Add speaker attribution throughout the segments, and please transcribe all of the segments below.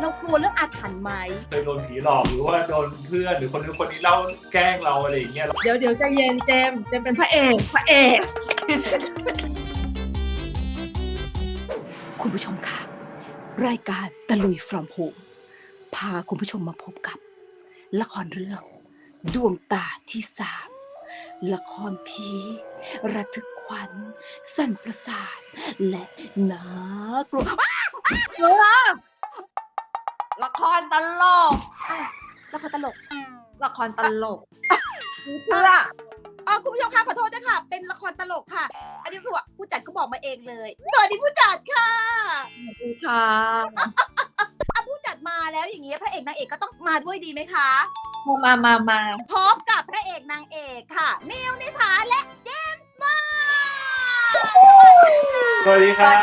Speaker 1: เรากลัวเรื่องอาถรรพ์ไหม
Speaker 2: เคยโดนผีหลอกหรือว่าโดนเพื่อนหรือคนนู้นคนนี้เล่าแกล้งเราอะไรอย่างเงี้ย
Speaker 3: เดี๋ยวใจเย็นเจมเป็นพระเอก
Speaker 1: คุณผู้ชมค่ะรายการตะลุย from home พาคุณผู้ชมมาพบกับละครเรื่องดวงตาที่สามละครผีระทึกขวัญสั่นประสาทและน่ากลัว
Speaker 3: ละครตลก
Speaker 1: ละครตลก
Speaker 3: ละครตลก
Speaker 1: เพื่อคุณผู้ชมคะขอโทษด้วยค่ะเป็นละครตลกค่ะอันนี้คือว่าผู้จัดก็บอกมาเองเลยสวัสดีผู้จัดค่ะ
Speaker 3: ค่ะ
Speaker 1: ผู้จัดมาแล้วอย่างนี้พระเอกนางเอกก็ต้องมาด้วยดีไหมคะ
Speaker 3: มา
Speaker 1: พบกับพระเอกนางเอกค่ะมิวนิษฐาและเจมส์มา
Speaker 2: สวัสดีครับ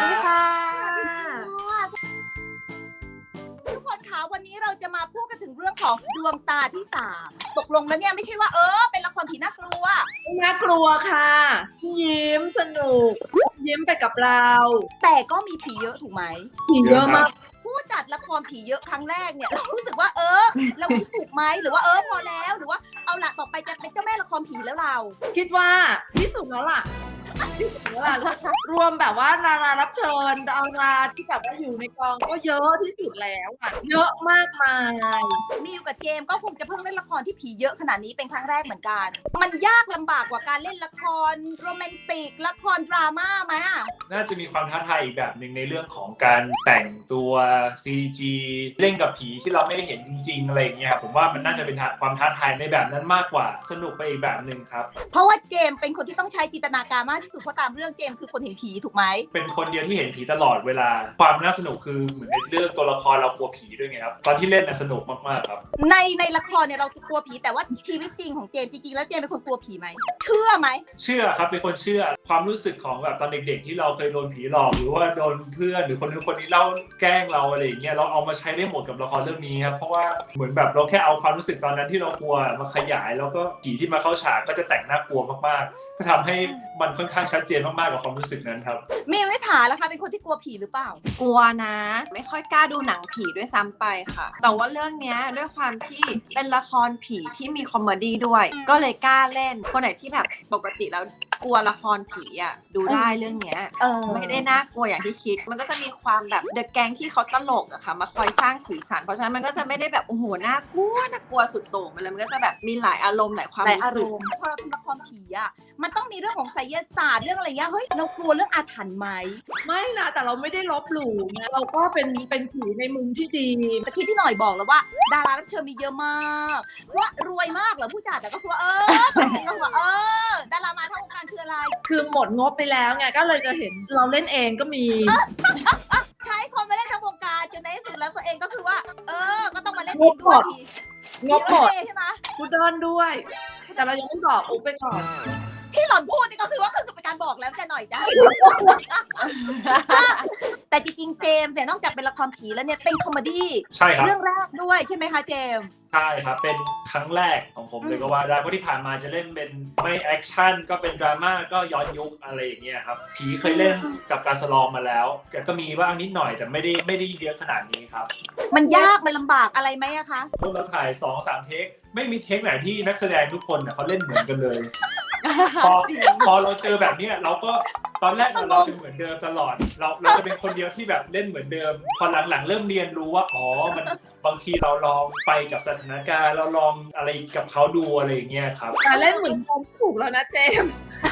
Speaker 1: ทุกคนคะวันนี้เราจะมาพูดกันถึงเรื่องของดวงตาที่สามตกลงแล้วเนี่ยไม่ใช่ว่าเป็นละครผีน่ากลัว
Speaker 3: ค่ะยิ้มสนุกยิ้มไปกับเรา
Speaker 1: แต่ก็มีผีเยอะถูกไหม
Speaker 3: ผีเยอะมาก
Speaker 1: ผู้จัดละครผีเยอะครั้งแรกเนี่ยเรารู้สึกว่าเราคิดถูกไหมหรือว่าพอแล้วหรือว่าเอาละต่อไปจะเป็นเจ้าแม่ละครผีแล้วเรา
Speaker 3: คิดว่าที่สุดแล้วล่ะรวมแบบว่าดารารับเชิญดาราที่แบบว่าอยู่ในกองก็เยอะที่สุดแล้วอ่ะเยอะมากมาย
Speaker 1: มิวกับเจมก็คงจะเพิ่งเล่นละครที่ผีเยอะขนาดนี้เป็นครั้งแรกเหมือนกันมันยากลำบากกว่าการเล่นละครโรแมนติกละครดราม่าไหม
Speaker 2: น่าจะมีความท้าทายอีกแบบหนึ่งในเรื่องของการแต่งตัว CG เล่นกับผีที่เราไม่ได้เห็นจริงๆอะไรอย่างเงี้ยผมว่ามันน่าจะเป็นความท้าทายในแบบนั้นมากกว่าสนุกไปอีกแบบหนึ่งครับ
Speaker 1: เพราะว่าเจมเป็นคนที่ต้องใช้จินตนาการมากที่สุดเพราะตามเรื่องเจมคือคนเห็นผีถูกไหม
Speaker 2: เป็นคนเดียวที่เห็นผีตลอดเวลาความน่าสนุกคือเหมือนในเรื่องตัวละครเรากลัวผีด้วยไงครับตอนที่เล่นน่ะสนุกมากๆครับ
Speaker 1: ในละครเนี่ยเรากลัวผีแต่ว่าชีวิตจริงของเจมจริงๆแล้วเจมเป็นคนกลัวผีไหมเชื่อไหม
Speaker 2: เชื่อครับเป็นคนเชื่อความรู้สึกของแบบตอนเด็กๆที่เราเคยโดนผีหลอกหรือว่าโดนเพื่อนหรือคนนู้นคนนี้เล่าแกล้งเราอะไรอย่างเงี้ยเราเอามาใช้ได้หมดกับละครเรื่องนี้ครับเพราะว่าเหมือนแบบเราแค่เอาความรู้สึกตอนนั้นที่เรากลัวมาขยายแล้วก็ผีที่มาเข้าฉากก็จะแต่งน่ากลัวมากๆก็ทำให้มันค่อนข้างชัดเจนมากๆกับความรู้สึกนั้นครับ
Speaker 1: มิวนิษฐาล่ะคะเป็นคนที่กลัวผีหรือเปล่าก
Speaker 4: ลัวนะไม่ค่อยกล้าดูหนังผีด้วยซ้ำไปค่ะแต่ว่าเรื่องนี้ด้วยความที่เป็นละครผีที่มีคอมเมดี้ด้วยก็เลยกล้าเล่นคนไหนที่แบบปกติแล้วกลัวละครผีอ่ะดูได้เรื่องเนี้ยไม่ได้น่ากลัวอย่างที่คิดมันก็จะมีความแบบเดอะแก๊งที่เขาตลกอะค่ะมาคอยสร้างสีสันเพราะฉะนั้นมันก็จะไม่ได้แบบโอ้โหน่ากลัวสุดโต่งไปเลยมันก็จะแบบมีหลายอารมณ์หลายความรู้สึก
Speaker 1: พอเราทำละครผีอะมันต้องมีเรื่องของไสยศาสตร์เรื่องอะไรเงี้ยเฮ้ยเรากลัวเรื่องอาถรรพ์ไหม
Speaker 3: ไม่นะแต่เราไม่ได้ลบหลู่นะเราก็เป็นผีในมุมที่ดี
Speaker 1: ตะกี้พี่หน่อยบอกแล้วว่าดารารับเชิญมีเยอะมากว่ารวยมากเหรอผู้จัดแต่ก็คือว่าดารามาทั้งวงการคืออะไร
Speaker 3: คือหมดงบไปแล้วไงก็เลยจะเห็นเราเล่นเองก็มี
Speaker 1: ใช้คนมาเล่นทั้งวงการจนในที่สุดแล้วตัวเองก็คือว่าก็ต้องมาเล่นเองด้วย
Speaker 3: งบหมดใช่ไหมกูเดินด้วยแต่เรายังไม่บอกอุ๊บไปก่อน
Speaker 1: ที่หล่อนพูดนี่ก็คือว่าคือเป็นการบอกแล้วจะหน่อยจ้ะแต่จริงๆเจมส์เนี่ยนอกจากเป็นละครผีแล้วเนี่ยเป็นคอมเมดี้
Speaker 2: ใช่ครับ
Speaker 1: เรื่องแรกด้วยใช่ไหมคะเจมส์
Speaker 2: ใช่ครับเป็นครั้งแรกของผมเลยก็ว่าได้เพราะที่ผ่านมาจะเล่นเป็นไม่แอคชั่นก็เป็นดราม่าก็ย้อนยุคอะไรอย่างเงี้ยครับผีเคยเล่นกับการสลองมาแล้วแต่ก็มีบ้างนิดหน่อยแต่ไม่ได้เยอะขนาดนี้ครับ
Speaker 1: มันยากมันลำบากอะไรไหมอะคะ
Speaker 2: เราถ่าย 2-3 เทคไม่มีเทคไหนที่นักแสดงทุกคนเขาเล่นเหมือนกันเลยพอเราเจอแบบนี้เราก็ตอนแรกเราเป็นเหมือนเดิมตลอดเราจะเป็นคนเดียวที่แบบเล่นเหมือนเดิมพอหลังๆเริ่มเรียนรู้ว่ามันบางทีเราลองไปกับสถานการณ์เราลองอะไรกับเขาดูอะไรอย่างเงี้ยครับ
Speaker 3: เล่นเหมือนผมถูกแล้วนะเจม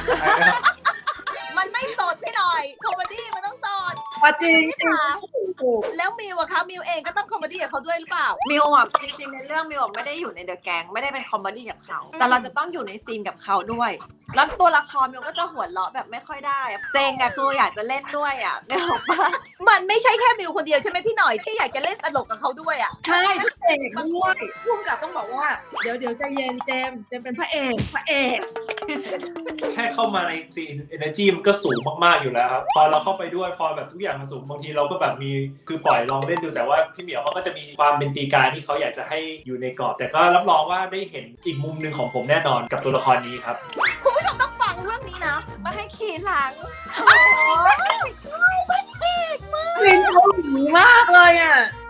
Speaker 1: มันไม่สดพี่หน่อยคอมเมดี้มันต้องสด
Speaker 3: จริง
Speaker 1: แล้วมิวอะคะมิวเองก็ต้องคอมเมดี้กับเขาด้วยหรือเปล่า
Speaker 4: มิวอะจริงๆในเรื่องมิวไม่ได้อยู่ในเดอะแก๊งไม่ได้เป็นคอมเมดี้กับเขาแต่เราจะต้องอยู่ในซีนกับเขาด้วยแล้วตัวละครมิวก็จะหัวเราะแบบไม่ค่อยได้เซ็งอะคืออยากจะเล่นด้วยอะเนี่ยหรอปะ
Speaker 1: มันไม่ใช่แค่มิวคนเดียวใช่ไหมพี่หน่อยที่อยากจะเล่นตลกกับเขาด้วยอะ
Speaker 3: ใช่พี่เอกด้วยพุ่งกับต้องบอกว่าเดี๋ยวใจเย็นเจมเป็นพระเอก
Speaker 2: แค่เข้ามาในซีน energy มันก็สูงมากๆอยู่แล้วครับพอเราเข้าไปด้วยพอแบบทุกอย่างมันสูงบางทีเราก็แบบมีคือปล่อยลองเล่นดูแต่ว่าพี่เหมียวเขาก็จะมีความเป็นตีการที่เขาอยากจะให้อยู่ในกรอบแต่ก็รับรองว่าได้เห็นอีกมุมหนึ่งของผมแน่นอนกับตัวละครนี้ครับ
Speaker 1: คุณผู้ชมต้องฟังเรื่องนี้นะ
Speaker 4: มาให้ขี่หลัง
Speaker 1: มันเอกมาก
Speaker 3: เป็นเกาหลีมากเลยอ่ะ